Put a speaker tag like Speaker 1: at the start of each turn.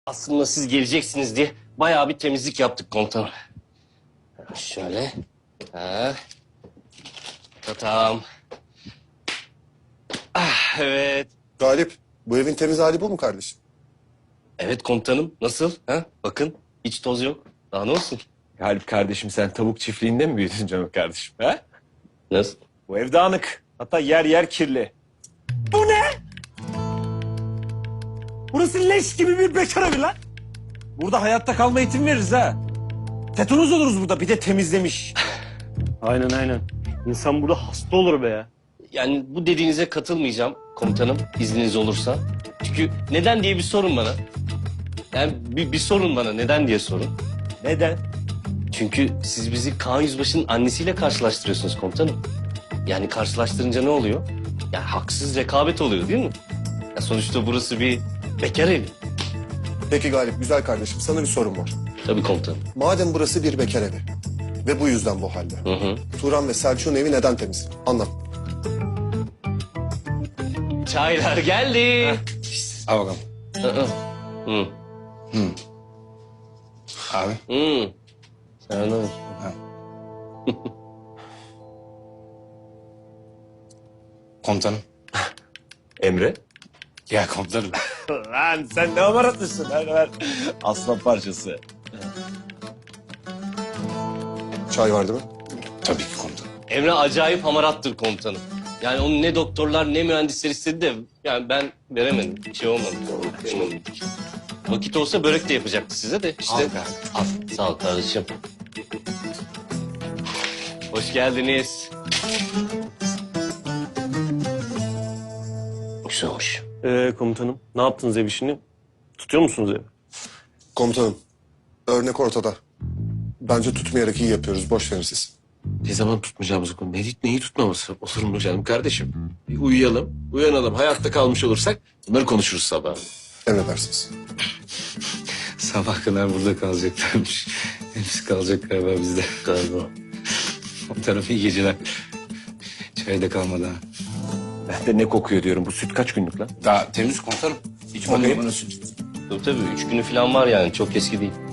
Speaker 1: Aslında siz geleceksiniz diye bayağı bir temizlik yaptık komutanım. Şöyle. Ha. Tamam. Ah, evet.
Speaker 2: Galip, bu evin temiz hali bu mu kardeşim?
Speaker 1: Evet komutanım. Nasıl? Ha? Bakın hiç toz yok. Daha ne olsun?
Speaker 3: Galip kardeşim sen tavuk çiftliğinde mi büyüdün canım kardeşim? Ha?
Speaker 1: Nasıl?
Speaker 3: Bu ev dağınık. Hatta yer yer kirli. Bu ne? Burası leş gibi bir bekar evi lan. Burada hayatta kalma eğitimi veririz ha. Tetanoz oluruz burada bir de temizlemiş.
Speaker 4: Aynen. İnsan burada hasta olur be ya.
Speaker 1: Yani bu dediğinize katılmayacağım komutanım izniniz olursa. Çünkü neden diye bir sorun bana. Yani bir sorun bana neden diye sorun.
Speaker 3: Neden?
Speaker 1: Çünkü siz bizi Kaan Yüzbaşı'nın annesiyle karşılaştırıyorsunuz komutanım. Yani karşılaştırınca ne oluyor? Yani haksız rekabet oluyor değil mi? Ya sonuçta burası bir bekar evi.
Speaker 2: Peki Galip, güzel kardeşim sana bir sorum var.
Speaker 1: Tabii komutanım.
Speaker 2: Madem burası bir bekar evi ve bu yüzden bu halde.
Speaker 1: Hı.
Speaker 2: Turan ve Selçuk'un evi neden temiz? Anlat.
Speaker 1: Çaylar geldi.
Speaker 5: Al bakalım.
Speaker 1: Hı. Hı.
Speaker 5: Abi.
Speaker 1: Hı. Sen anladın.
Speaker 5: Komutanım.
Speaker 3: Emre?
Speaker 5: Ya komutanım.
Speaker 3: Lan sen ne amaratlısın ver. Aslan parçası.
Speaker 2: Çay var değil mi?
Speaker 5: Tabii ki komutanım.
Speaker 1: Emre acayip hamarattır komutanım. Yani onu ne doktorlar ne mühendisler istedi de yani ben veremedim. Bir şey olmadı. Vakit olsa börek de yapacaktı size de işte.
Speaker 5: Al be.
Speaker 1: Al. Sağ ol kardeşim. Hoş geldiniz. Güzel olmuş.
Speaker 4: Komutanım ne yaptınız ev işini? Tutuyor musunuz evi?
Speaker 2: Komutanım, örnek ortada. Bence tutmayarak iyi yapıyoruz. Boş verin siz.
Speaker 6: Ne zaman tutmayacağımızı konu. Neyi tutmaması olur mu canım kardeşim? Bir uyuyalım, uyanalım. Hayatta kalmış olursak bunları konuşuruz sabah.
Speaker 2: Emredersiniz.
Speaker 5: Sabah kadar burada kalacaklarmış. Hepsi kalacak galiba bizde.
Speaker 1: Galiba.
Speaker 5: Komutanım iyi geceler. Çay da kalmadı ha.
Speaker 3: Ben de ne kokuyor diyorum. Bu süt kaç günlük lan?
Speaker 5: Daha temiz komutanım. Hiç
Speaker 3: Bakayım.
Speaker 5: bakayım.
Speaker 1: Tabii 3 günü falan var yani çok eski değil.